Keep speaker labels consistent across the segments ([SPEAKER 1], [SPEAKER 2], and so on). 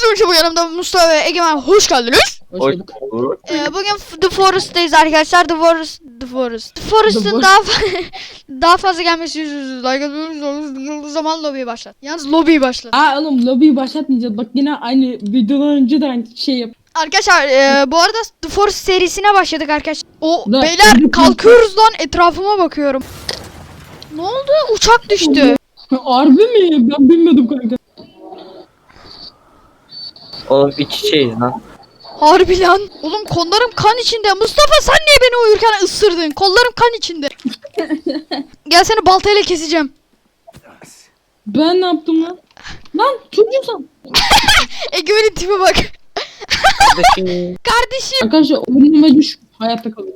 [SPEAKER 1] Hepinize bu yanımda Mustafa ve Egemen, hoş geldiniz.
[SPEAKER 2] Hoş bulduk.
[SPEAKER 1] Bugün The Forest'tayız arkadaşlar. The Forest'ın daha fazla gelmesi like atıyoruz. Zaman lobiyi başlat. Yalnız lobiyi başlat.
[SPEAKER 3] Oğlum lobiyi başlatmayacağız. Bak yine aynı videodan önce de aynı şey yap.
[SPEAKER 1] Arkadaşlar bu arada The Forest serisine başladık arkadaşlar.
[SPEAKER 3] Da,
[SPEAKER 1] Beyler kalkıyoruz lan, etrafıma bakıyorum. Ne oldu? Uçak düştü.
[SPEAKER 3] Harbi mi? Ben bilmiyordum kanka.
[SPEAKER 2] Oğlum iç içeyiz lan.
[SPEAKER 1] Harbi lan. Oğlum kollarım kan içinde. Mustafa sen niye beni uyurken ısırdın? Kollarım kan içinde. Gel seni baltayla keseceğim.
[SPEAKER 3] Ben ne yaptım lan? Lan çocuğum.
[SPEAKER 1] Egemen'in tipi bak.
[SPEAKER 2] Kardeşim.
[SPEAKER 1] Kardeşim.
[SPEAKER 3] Arkadaşlar oyunuma düş. Hayatta kalıyor.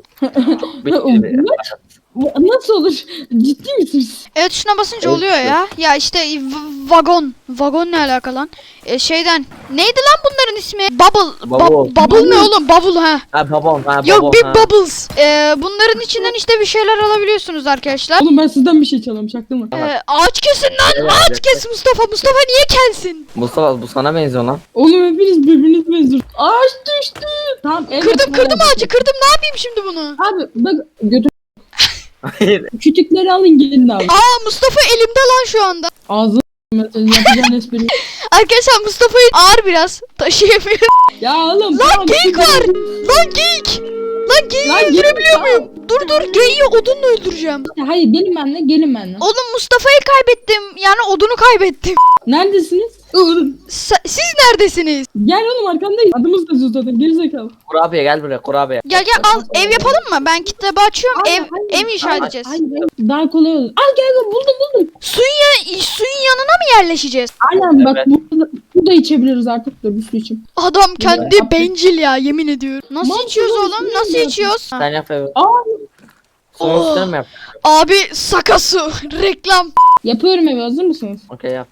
[SPEAKER 3] Nasıl olur? Ciddi misiniz?
[SPEAKER 1] Evet, şuna basınca
[SPEAKER 2] Evet,
[SPEAKER 1] oluyor ya. Ya işte vagon. Vagon ne alaka lan? Şeyden. Neydi lan bunların ismi? Bubble. Bubble ne oğlum? Bubble ha.
[SPEAKER 2] Ha babam.
[SPEAKER 1] Yok, Big Bubbles. Bunların içinden işte bir şeyler alabiliyorsunuz arkadaşlar.
[SPEAKER 3] Oğlum ben sizden bir şey çalıyorum. Çaktın mı?
[SPEAKER 1] Ağaç kesin lan.
[SPEAKER 2] Evet,
[SPEAKER 1] Ağaç
[SPEAKER 2] evet.
[SPEAKER 1] kes Mustafa. Mustafa niye kelsin?
[SPEAKER 2] Mustafa bu sana benziyor lan.
[SPEAKER 3] Oğlum hepiniz birbiriniz benziyor. Ağaç düştü. Tamam. Evet,
[SPEAKER 1] Kırdım ağacı. Kırdım. Ne yapayım şimdi bunu?
[SPEAKER 3] Abi bak götür.
[SPEAKER 2] Hayır.
[SPEAKER 3] Kütükleri alın gelin abi.
[SPEAKER 1] Mustafa elimde lan şu anda.
[SPEAKER 3] Ağzı yapacağın espri.
[SPEAKER 1] Arkadaşlar Mustafa'yı ağır biraz. Taşıyamıyor.
[SPEAKER 3] Ya oğlum.
[SPEAKER 1] Lan geyik var. Lan geyik. Lan geyiği öldürebiliyor muyum? Dur geyiği odunla öldüreceğim.
[SPEAKER 3] Hayır gelin benimle.
[SPEAKER 1] Oğlum Mustafa'yı kaybettim. Yani odunu kaybettim.
[SPEAKER 3] Neredesiniz?
[SPEAKER 1] Siz neredesiniz?
[SPEAKER 3] Gel oğlum arkandayız. Adımız da yazıyor zaten gerizekalı.
[SPEAKER 2] Kurabiye gel buraya kurabiye.
[SPEAKER 1] Gel al, ev yapalım mı? Ben kitabı açıyorum. Ev inşa edeceğiz.
[SPEAKER 3] Hayır, daha kolay olur. Al gel buldum.
[SPEAKER 1] Suyun yanına mı yerleşeceğiz?
[SPEAKER 3] Aynen bak
[SPEAKER 2] Evet.
[SPEAKER 3] bu da içebiliyoruz artık da bir su için.
[SPEAKER 1] Adam kendi bencil ya, yemin ediyorum. Nasıl
[SPEAKER 3] Mantıklı
[SPEAKER 1] içiyoruz
[SPEAKER 3] olsun,
[SPEAKER 1] oğlum?
[SPEAKER 3] iyi
[SPEAKER 1] Nasıl
[SPEAKER 3] yapıyorsun.
[SPEAKER 1] içiyoruz?
[SPEAKER 2] Sen yap evi.
[SPEAKER 3] Aa
[SPEAKER 2] Sonra üstüne mi yap?
[SPEAKER 1] Abi saka su. Reklam.
[SPEAKER 3] yapıyorum evi hazır mısınız?
[SPEAKER 2] Okey yap.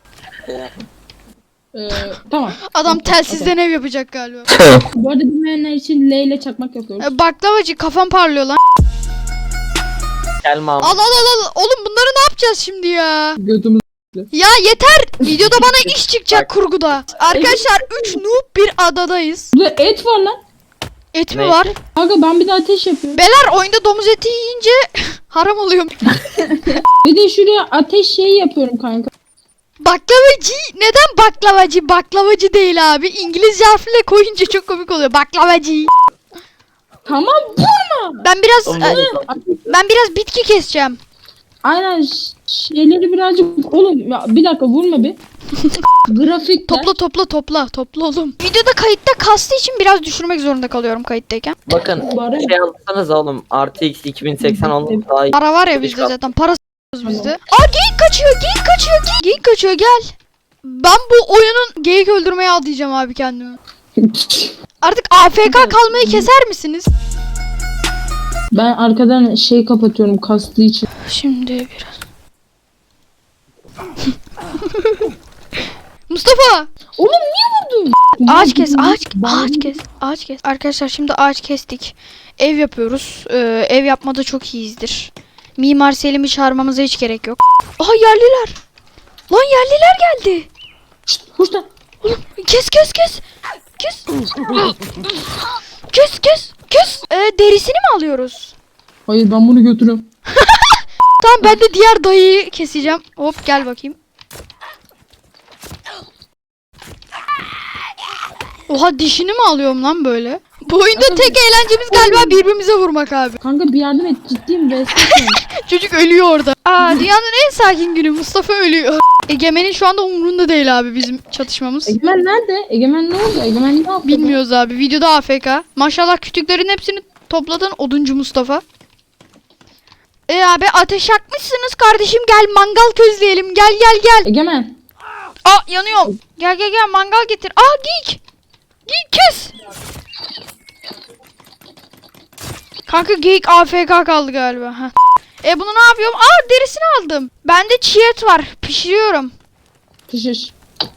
[SPEAKER 3] Tamam.
[SPEAKER 1] Adam telsizden ev yapacak galiba.
[SPEAKER 3] Bu arada bilmeyenler için L ile çakmak yapıyoruz.
[SPEAKER 1] Baklavacı, kafam parlıyor lan.
[SPEAKER 2] Gelme abi.
[SPEAKER 1] Al. Oğlum bunları ne yapacağız şimdi ya?
[SPEAKER 3] Götümüz.
[SPEAKER 1] Ya yeter. Videoda bana iş çıkacak kurguda. Arkadaşlar 3 noob bir adadayız.
[SPEAKER 3] Burada et var lan.
[SPEAKER 1] Et mi
[SPEAKER 2] Ne?
[SPEAKER 1] var?
[SPEAKER 3] Kanka ben bir de ateş yapıyorum.
[SPEAKER 1] Beyler oyunda domuz eti yiyince haram oluyor.
[SPEAKER 3] Bir de şuraya ateş şeyi yapıyorum kanka.
[SPEAKER 1] Baklavacı. Neden baklavacı? Baklavacı değil abi. İngilizce harfle koyunca çok komik oluyor. Baklavacı.
[SPEAKER 3] Tamam vurma.
[SPEAKER 1] Ben biraz bitki keseceğim.
[SPEAKER 3] Aynen şeyleri birazcık oğlum ya bir dakika vurma bir. Grafik
[SPEAKER 1] Topla oğlum. Videoda kayıtta kastığı için biraz düşürmek zorunda kalıyorum kayıttayken.
[SPEAKER 2] Bakın
[SPEAKER 3] Bari.
[SPEAKER 2] şey alırsanız oğlum RTX 2080 olmuş daha iyi.
[SPEAKER 1] Para var ya bizde zaten. Para bizde. Geyik kaçıyor. Gel. Ben bu oyunun geyik öldürmeye adayacağım abi kendimi. Artık AFK kalmayı keser misiniz?
[SPEAKER 3] Ben arkadan şey kapatıyorum kastığı için.
[SPEAKER 1] Şimdi biraz. Mustafa!
[SPEAKER 3] Oğlum niye vurdun?
[SPEAKER 1] Ağaç kes. Arkadaşlar şimdi ağaç kestik. Ev yapıyoruz. Ev yapmada çok iyiyizdir. Mimar Selim'i çağırmamıza hiç gerek yok. Aha yerliler. Lan yerliler geldi.
[SPEAKER 3] Şşt, hoş lan.
[SPEAKER 1] Oğlum kes. Derisini mi alıyoruz?
[SPEAKER 3] Hayır ben bunu götürüyorum.
[SPEAKER 1] Tamam, ben de diğer dayıyı keseceğim. Hop gel bakayım. Oha, dişini mi alıyorum lan böyle? Bu oyunda tek eğlencemiz galiba birbirimize vurmak abi.
[SPEAKER 3] Kanka bir yardım et ciddiyim be.
[SPEAKER 1] Çocuk ölüyor orada. Dünyanın en sakin günü, Mustafa ölüyor. Egemen'in şu anda umurunda değil abi bizim çatışmamız.
[SPEAKER 3] Egemen nerede? Egemen ne oldu? Egemen ne yaptı?
[SPEAKER 1] Bilmiyoruz abi. Videoda AFK. Maşallah kütüklerin hepsini topladın oduncu Mustafa. Abi ateş yakmışsınız kardeşim, gel mangal közleyelim, gel.
[SPEAKER 3] Egemen.
[SPEAKER 1] Yanıyorum. Gel mangal getir. Geyik kes. Kanka geyik AFK kaldı galiba. Bunu ne yapıyorum? Derisini aldım. Bende çiğ et var, pişiriyorum.
[SPEAKER 3] Pişir.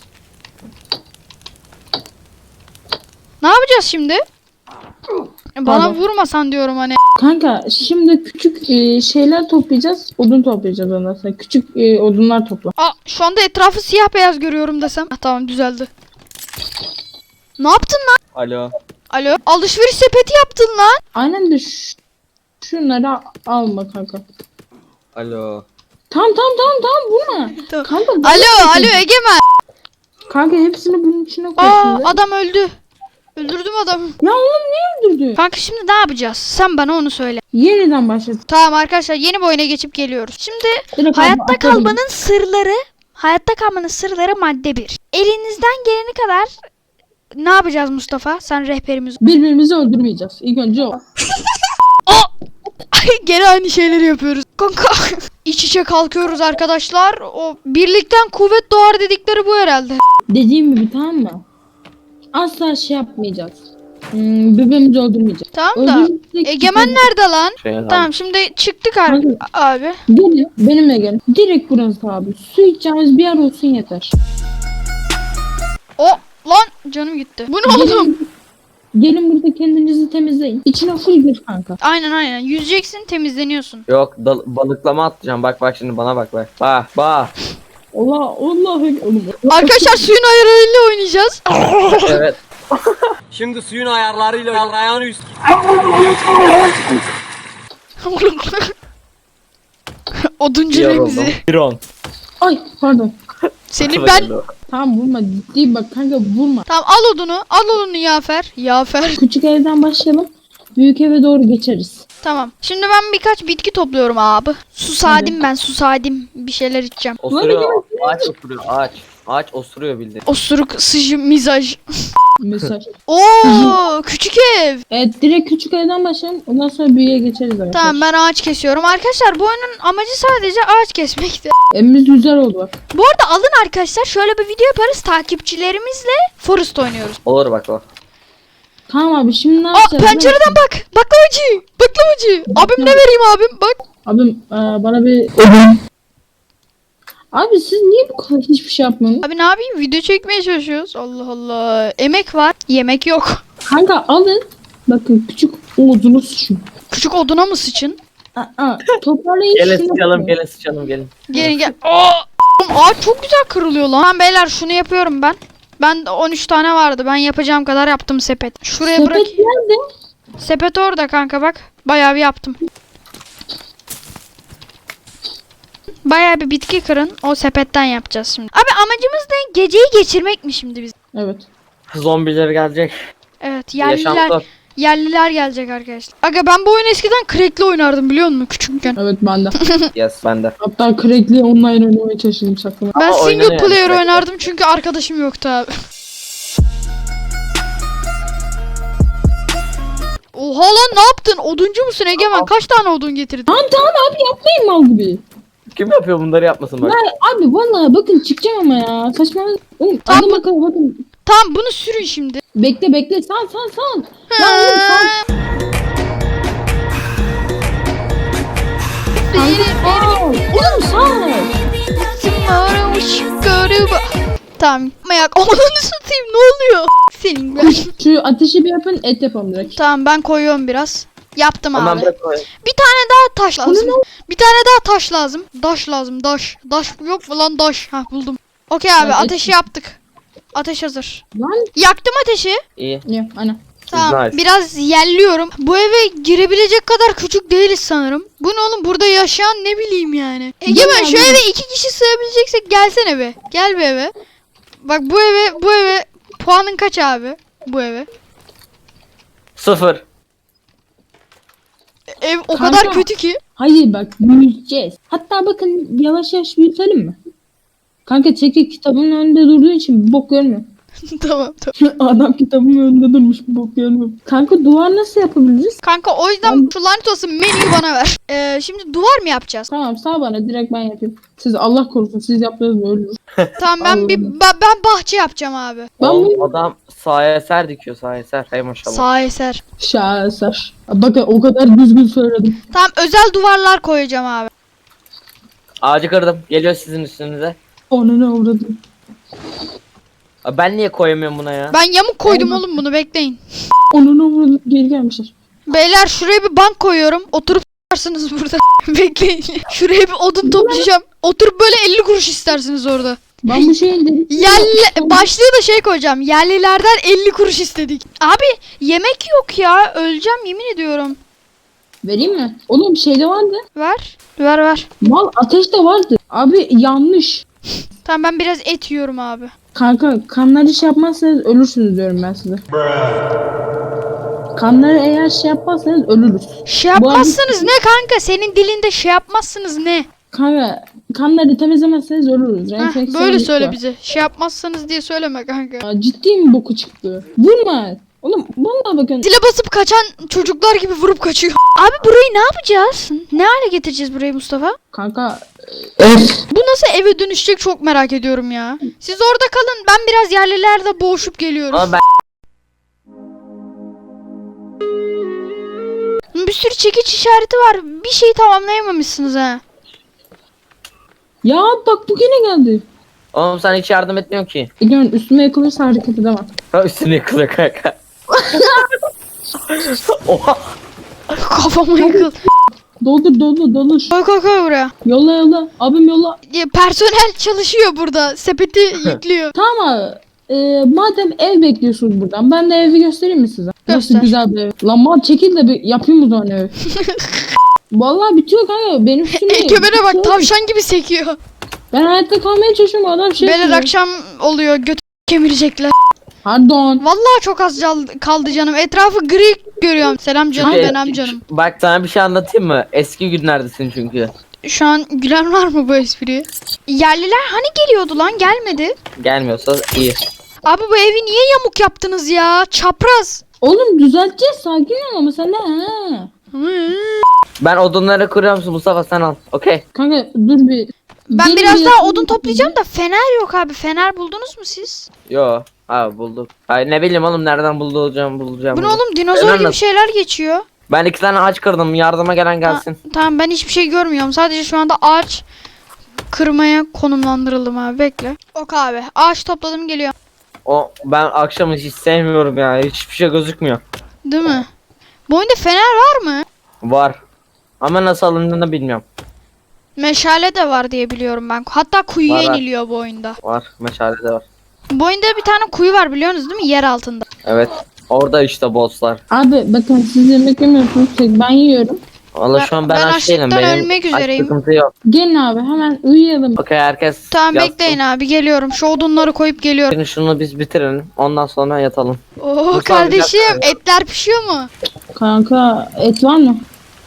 [SPEAKER 1] Ne yapacağız şimdi? Bana
[SPEAKER 3] Pardon.
[SPEAKER 1] vurmasan diyorum hani.
[SPEAKER 3] Kanka şimdi küçük şeyler toplayacağız. Odun toplayacağız ondan sonra. Küçük odunlar topla.
[SPEAKER 1] Şu anda etrafı siyah beyaz görüyorum desem. Tamam, düzeldi. Ne yaptın lan?
[SPEAKER 2] Alo.
[SPEAKER 1] Alo. Alışveriş sepeti yaptın lan.
[SPEAKER 3] Aynen de şunları alma kanka.
[SPEAKER 2] Alo.
[SPEAKER 3] Tamam vurma.
[SPEAKER 1] Tamam.
[SPEAKER 3] Kanka,
[SPEAKER 1] Alo Egemen.
[SPEAKER 3] Kanka hepsini bunun içine koy
[SPEAKER 1] Aa
[SPEAKER 3] şimdi.
[SPEAKER 1] adam öldü. Öldürdüm adamı.
[SPEAKER 3] Ya oğlum niye öldürdü?
[SPEAKER 1] Kanka şimdi ne yapacağız? Sen bana onu söyle.
[SPEAKER 3] Yeniden başlat.
[SPEAKER 1] Tamam arkadaşlar yeni bir oyuna geçip geliyoruz. Şimdi
[SPEAKER 3] Direkt
[SPEAKER 1] hayatta
[SPEAKER 3] atladım.
[SPEAKER 1] kalmanın sırları madde 1. Elinizden geleni kadar ne yapacağız Mustafa? Sen rehberimiz.
[SPEAKER 3] Birbirimizi öldürmeyeceğiz. İlk önce o.
[SPEAKER 1] Ay gene aynı şeyleri yapıyoruz. Kanka iç içe kalkıyoruz arkadaşlar. O birlikten kuvvet doğar dedikleri bu herhalde.
[SPEAKER 3] Dediğim gibi tamam mı? Asla şey yapmayacağız. Birbirimizi öldürmeyeceğiz.
[SPEAKER 1] Tamam da
[SPEAKER 3] Öldürürsek-
[SPEAKER 1] Egemen nerede lan?
[SPEAKER 2] Şey
[SPEAKER 1] Tamam şimdi çıktık abi.
[SPEAKER 3] Gelin benimle gelin. Direkt burası abi. Su içeceğimiz bir yer olsun yeter.
[SPEAKER 1] O lan canım gitti. Bu ne oğlum?
[SPEAKER 3] Gelin burada kendinizi temizleyin. İçine full gir kanka.
[SPEAKER 1] Aynen. Yüzeceksin temizleniyorsun.
[SPEAKER 2] Yok balıklama atacağım. Bak şimdi bana bak. Bak.
[SPEAKER 3] Allah oğlum.
[SPEAKER 1] Arkadaşlar suyun ayarlarıyla oynayacağız.
[SPEAKER 2] Evet.
[SPEAKER 4] Şimdi suyun ayarlarıyla ayağını üst.
[SPEAKER 1] Oduncu
[SPEAKER 2] Yoruldum.
[SPEAKER 1] Remzi.
[SPEAKER 2] Piron.
[SPEAKER 3] Ay pardon.
[SPEAKER 1] Seni ben...
[SPEAKER 3] Tamam vurma ciddi bak kanka vurma.
[SPEAKER 1] Tamam al odunu Yafer.
[SPEAKER 3] Küçük evden başlayalım. Büyük eve doğru geçeriz.
[SPEAKER 1] Tamam. Şimdi ben birkaç bitki topluyorum abi. Susadim. Bir şeyler içeceğim.
[SPEAKER 2] Osuruyor. Ağaç osuruyor. Ağaç osuruyor bildiğin.
[SPEAKER 1] Osuruk, sıcı, mizaj.
[SPEAKER 3] Mesaj.
[SPEAKER 1] Oo, küçük ev.
[SPEAKER 3] Evet direkt küçük evden başlayalım. Ondan sonra büyüğe geçeriz arkadaşlar.
[SPEAKER 1] Tamam ben ağaç kesiyorum. Arkadaşlar bu oyunun amacı sadece ağaç kesmekti.
[SPEAKER 3] Evimiz güzel oldu bak.
[SPEAKER 1] Bu arada alın arkadaşlar şöyle bir video yaparız. Takipçilerimizle Forest oynuyoruz.
[SPEAKER 2] Olur bak o.
[SPEAKER 3] Tamam abi şimdi ne
[SPEAKER 1] Aa
[SPEAKER 3] yapacağız?
[SPEAKER 1] pencereden bak. Baklavacı. Abim ne vereyim abim bak.
[SPEAKER 3] Abim bana bir... Abi siz niye bu kadar hiçbir şey yapmıyorsunuz?
[SPEAKER 1] Abi ne yapayım? Video çekmeye çalışıyoruz. Allah Allah. Emek var. Yemek yok.
[SPEAKER 3] Kanka alın. Bakın küçük odunu sıçın.
[SPEAKER 1] Küçük oduna mı sıçın?
[SPEAKER 3] Toparlayın
[SPEAKER 2] Gelin
[SPEAKER 3] şunu.
[SPEAKER 2] sıçalım gelin.
[SPEAKER 1] Gel. Aa! Oğlum ağaç çok güzel kırılıyor lan. Tamam beyler şunu yapıyorum ben. Ben de 13 tane vardı. Ben yapacağım kadar yaptım sepet. Şuraya bırak.
[SPEAKER 3] Sepet nerede?
[SPEAKER 1] Sepet orada kanka bak. Bayağı bir yaptım. Bayağı bir bitki kırın. O sepetten yapacağız şimdi. Abi amacımız ne? Geceyi geçirmek mi şimdi biz?
[SPEAKER 3] Evet.
[SPEAKER 2] Zombiler gelecek.
[SPEAKER 1] Evet
[SPEAKER 2] Yaşam
[SPEAKER 1] yerliler,
[SPEAKER 2] zor.
[SPEAKER 1] yerliler gelecek arkadaşlar. Aga ben bu oyunu eskiden crack'le oynardım biliyor musun küçükken.
[SPEAKER 3] Evet ben de.
[SPEAKER 2] Yes bende.
[SPEAKER 3] Hatta crack'li online oynamaya çalıştım sakın.
[SPEAKER 1] Ben
[SPEAKER 2] Ama
[SPEAKER 1] single
[SPEAKER 2] oynanıyor
[SPEAKER 1] player
[SPEAKER 2] yani.
[SPEAKER 1] oynardım çünkü arkadaşım yoktu abi. Oha lan ne yaptın? Oduncu musun Egemen? Kaç tane odun getirdin?
[SPEAKER 3] Tamam abi yapmayın mal gibi.
[SPEAKER 2] Kim yapıyor bunları yapmasın bak.
[SPEAKER 3] Ya abi vallahi bakın çıkacağım ama ya. Saçmalama. Oğlum
[SPEAKER 1] Tamam.
[SPEAKER 3] adam bakalım bakın.
[SPEAKER 1] Tamam bunu sürün şimdi.
[SPEAKER 3] Bekle. Sal. Ya oğlum sal. Oğlum sal.
[SPEAKER 1] Tamam. Mayak onu satayım ne oluyor? Senin ben.
[SPEAKER 3] Şu ateşi bir yapın et yapalım direkt.
[SPEAKER 1] Tamam ben koyuyorum biraz. Yaptım
[SPEAKER 2] Hemen
[SPEAKER 1] abi.
[SPEAKER 2] bırak koy.
[SPEAKER 1] Bir tane daha taş lazım. Bir tane daha taş lazım. Daş lazım daş. Daş yok mu lan daş? Hah buldum. Okey abi
[SPEAKER 3] Evet.
[SPEAKER 1] ateşi yaptık. Ateş hazır.
[SPEAKER 3] Lan.
[SPEAKER 1] Yaktım ateşi.
[SPEAKER 2] İyi.
[SPEAKER 3] Ya ana.
[SPEAKER 1] Tamam
[SPEAKER 2] Nice.
[SPEAKER 1] biraz yerliyorum. Bu eve girebilecek kadar küçük değiliz sanırım. Bu ne oğlum burada yaşayan ne bileyim yani. Egemen şu eve 2 kişi sığabileceksek gelsene be. Gel bir eve. Bak bu eve puanın kaç abi? Bu eve.
[SPEAKER 2] 0.
[SPEAKER 1] Ev o
[SPEAKER 3] Kanka.
[SPEAKER 1] kadar kötü ki.
[SPEAKER 3] Hayır bak büyüteceğiz. Hatta bakın yavaş büyütelim mi? Kanka çekil kitabın önünde durduğu için bir bok görmüyor.
[SPEAKER 1] Tamam.
[SPEAKER 3] Adam kitabın önünde durmuş bir bok görmüyor. Kanka duvar nasıl yapabiliriz?
[SPEAKER 1] Kanka o yüzden şu lanet olsun menüyü bana ver. Şimdi duvar mı yapacağız?
[SPEAKER 3] Tamam sağ bana direkt ben yapayım. Siz Allah korusun siz yaptınız mı ölürüz.
[SPEAKER 1] Tamam ben bahçe yapacağım abi.
[SPEAKER 3] Ben
[SPEAKER 2] Oğlum,
[SPEAKER 3] bu
[SPEAKER 2] adam sağa eser dikiyor sağa eser. Hay maşallah.
[SPEAKER 1] Sağ eser.
[SPEAKER 3] şaheser. Bakın o kadar düzgün söyledim.
[SPEAKER 1] Tamam özel duvarlar koyacağım abi.
[SPEAKER 2] Ağacı kırdım. Geliyor sizin üstünüze.
[SPEAKER 3] Onu ne uğradım.
[SPEAKER 2] Abi ben niye koyamıyorum buna ya?
[SPEAKER 1] Ben yamuk koydum oğlum bunu bekleyin.
[SPEAKER 3] Onu ne uğradım. Geri gelmişler.
[SPEAKER 1] Beyler şuraya bir bank koyuyorum. Oturup s**arsınız burada. Bekleyin. Şuraya bir odun toplayacağım. Oturup böyle 50 kuruş istersiniz orada.
[SPEAKER 3] Ben bu şeyin dedim.
[SPEAKER 1] Başlığı da şey koyacağım. Yerlilerden 50 kuruş istedik. Abi yemek yok ya. Öleceğim yemin ediyorum.
[SPEAKER 3] Vereyim mi? Oğlum bir şey de vardı.
[SPEAKER 1] Ver. Ver.
[SPEAKER 3] Mal ateş de vardı. Abi yanlış.
[SPEAKER 1] Tamam ben biraz et yiyorum abi.
[SPEAKER 3] Kanka kanları şey yapmazsanız ölürsünüz diyorum ben size. Kanları eğer şey yapmazsanız ölürüz.
[SPEAKER 1] Şey yapmazsınız ne kanka? Senin dilinde şey yapmazsınız ne?
[SPEAKER 3] Kanka kanları temizlemezseniz ölürüz.
[SPEAKER 1] Heh,
[SPEAKER 3] Enfeksiyon
[SPEAKER 1] böyle
[SPEAKER 3] riski
[SPEAKER 1] söyle
[SPEAKER 3] var.
[SPEAKER 1] bize. Şey yapmazsanız diye söyleme kanka.
[SPEAKER 3] Ya, ciddi mi boku çıktı? Vurma. Oğlum vallahi bakın.
[SPEAKER 1] Dile basıp kaçan çocuklar gibi vurup kaçıyor. Abi burayı ne yapacağız? Ne hale getireceğiz burayı Mustafa?
[SPEAKER 3] Kanka
[SPEAKER 1] Bu nasıl eve dönüşecek çok merak ediyorum ya. Siz orada kalın. Ben biraz yerlilerde boğuşup geliyorum.
[SPEAKER 2] Ama ben
[SPEAKER 1] Bir sürü çekiç işareti var. Bir şeyi tamamlayamamışsınız ha.
[SPEAKER 3] ya bak bu yine geldi.
[SPEAKER 2] oğlum sen hiç yardım etmiyorsun ki.
[SPEAKER 3] İlhan üstüme yakılırsa hareket edemem.
[SPEAKER 2] Ha, üstüne yıkılıyor kanka. Oha.
[SPEAKER 1] Kafama yıkıl.
[SPEAKER 3] Doldur.
[SPEAKER 1] Koy buraya.
[SPEAKER 3] Yolla. Abim yolla.
[SPEAKER 1] Ya, personel çalışıyor burada. Sepeti yüklüyor.
[SPEAKER 3] Tamam abi. Madem ev bekliyorsunuz buradan ben de evi göstereyim mi size?
[SPEAKER 1] Göster.
[SPEAKER 3] Nasıl güzel bir ev. Lan mal çekil de bir yapayım o zaman evi. Vallahi bitiyor kanka benim üstüme.
[SPEAKER 1] Egemen'e bak tavşan gibi sekiyor.
[SPEAKER 3] Ben hayatta kalmaya çalışıyorum adam şey
[SPEAKER 1] Beyler
[SPEAKER 3] yapıyor.
[SPEAKER 1] akşam oluyor. Götü kemirecekler.
[SPEAKER 3] Pardon.
[SPEAKER 1] Vallahi çok az kaldı canım. Etrafı gri görüyorum. Selam canım
[SPEAKER 2] Çünkü-
[SPEAKER 1] benim canım.
[SPEAKER 2] Bak sana bir şey anlatayım mı? Eski günlerdesin çünkü.
[SPEAKER 1] Şu an gülen var mı bu espriye? Yerliler hani geliyordu lan gelmedi.
[SPEAKER 2] Gelmiyorsa iyi.
[SPEAKER 1] Abi bu evi niye yamuk yaptınız ya? Çapraz.
[SPEAKER 3] Oğlum düzelteceğiz sakin ol ama sen de ha.
[SPEAKER 2] Ben odunları kuruyorum Mustafa sen al. Okey.
[SPEAKER 3] Kanka dur bir.
[SPEAKER 1] Ben
[SPEAKER 3] Gelin
[SPEAKER 1] biraz
[SPEAKER 3] bir
[SPEAKER 1] daha
[SPEAKER 3] yapalım.
[SPEAKER 1] odun toplayacağım da fener yok abi. Fener buldunuz mu siz?
[SPEAKER 2] Yo. Ha bulduk. Ay ne bileyim oğlum nereden bulacağım.
[SPEAKER 1] Bu ne
[SPEAKER 2] bunu.
[SPEAKER 1] oğlum dinozor
[SPEAKER 2] Fener
[SPEAKER 1] gibi
[SPEAKER 2] nasıl?
[SPEAKER 1] şeyler geçiyor.
[SPEAKER 2] Ben 2 tane ağaç kırdım. Yardıma gelen gelsin.
[SPEAKER 1] Tamam ben hiçbir şey görmüyorum. Sadece şu anda ağaç kırmaya konumlandırıldım abi. Bekle. Ok abi. Ağaç topladım geliyor.
[SPEAKER 2] O ben akşamı hiç sevmiyorum ya. Hiçbir şey gözükmüyor.
[SPEAKER 1] Değil mi? Bu oyunda fener var mı?
[SPEAKER 2] Var. Ama nasıl alındığını bilmiyorum.
[SPEAKER 1] Meşale de var diye biliyorum ben. Hatta kuyuya
[SPEAKER 2] Var.
[SPEAKER 1] iniliyor bu oyunda.
[SPEAKER 2] Var. Meşale de var.
[SPEAKER 1] Bu oyunda bir tane kuyu var biliyorsunuz değil mi? Yer altında.
[SPEAKER 2] Evet. Orada işte bosslar.
[SPEAKER 3] Abi bakın siz yemek yemiyorsunuz ben yiyorum.
[SPEAKER 2] Valla şu an ben
[SPEAKER 1] Ben
[SPEAKER 2] aç değilim.
[SPEAKER 1] açlıktan
[SPEAKER 2] Benim
[SPEAKER 1] ölmek
[SPEAKER 2] aç
[SPEAKER 1] üzereyim.
[SPEAKER 2] sıkıntı yok.
[SPEAKER 3] Gelin abi hemen uyuyalım.
[SPEAKER 2] Okey herkes
[SPEAKER 1] Tamam
[SPEAKER 2] yatsın.
[SPEAKER 1] bekleyin abi geliyorum. Şu odunları koyup geliyorum.
[SPEAKER 2] Şimdi şunu biz bitirelim. Ondan sonra yatalım.
[SPEAKER 1] Oo
[SPEAKER 2] Mustafa,
[SPEAKER 1] kardeşim
[SPEAKER 2] bir dakika.
[SPEAKER 1] etler pişiyor mu?
[SPEAKER 3] Kanka et var mı?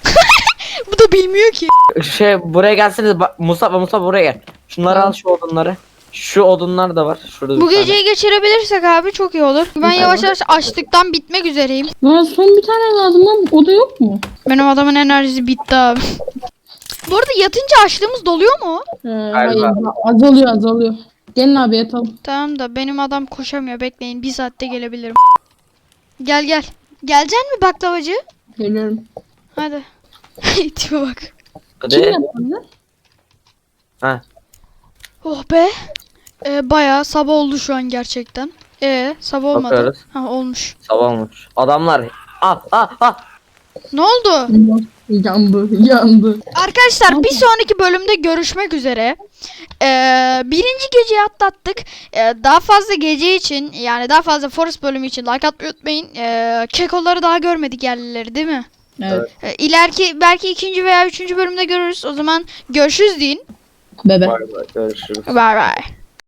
[SPEAKER 1] Bu da bilmiyor ki.
[SPEAKER 2] Buraya gelseniz Mustafa buraya gel. Şunları al şu odunları. Şu odunlar da var. Şurada
[SPEAKER 1] Bu
[SPEAKER 2] bir tane.
[SPEAKER 1] geceyi geçirebilirsek abi çok iyi olur. Ben yavaş yavaş açlıktan bitmek üzereyim.
[SPEAKER 3] Lan son bir tane lazım lan o da yok mu?
[SPEAKER 1] Benim adamın enerjisi bitti abi. Bu arada yatınca açlığımız doluyor mu?
[SPEAKER 3] Hayır azalıyor. Gelin abi yatalım.
[SPEAKER 1] Tamam da benim adam koşamıyor. Bekleyin bir saatte gelebilirim. Gel. Geleceksin mi baklavacı?
[SPEAKER 3] Geliyorum.
[SPEAKER 1] Hadi. Tipe bak.
[SPEAKER 2] Hadi.
[SPEAKER 3] Kim yapmadı?
[SPEAKER 2] Ha.
[SPEAKER 1] Oh be. Bayağı sabah oldu şu an gerçekten. Sabah olmadı.
[SPEAKER 2] Bakıyoruz.
[SPEAKER 1] Ha olmuş.
[SPEAKER 2] Sabah olmuş. Adamlar.
[SPEAKER 1] Ne oldu?
[SPEAKER 3] Yandı.
[SPEAKER 1] Arkadaşlar bir sonraki bölümde görüşmek üzere. Birinci geceyi atlattık. Daha fazla gece için yani daha fazla Forest bölümü için like atmayı unutmayın. Kekoları daha görmedik yerlileri değil mi?
[SPEAKER 3] Evet.
[SPEAKER 1] İleriki belki ikinci veya üçüncü bölümde görürüz. O zaman görüşürüz deyin.
[SPEAKER 3] Bebe.
[SPEAKER 2] Bay bay görüşürüz.
[SPEAKER 1] Bye bye.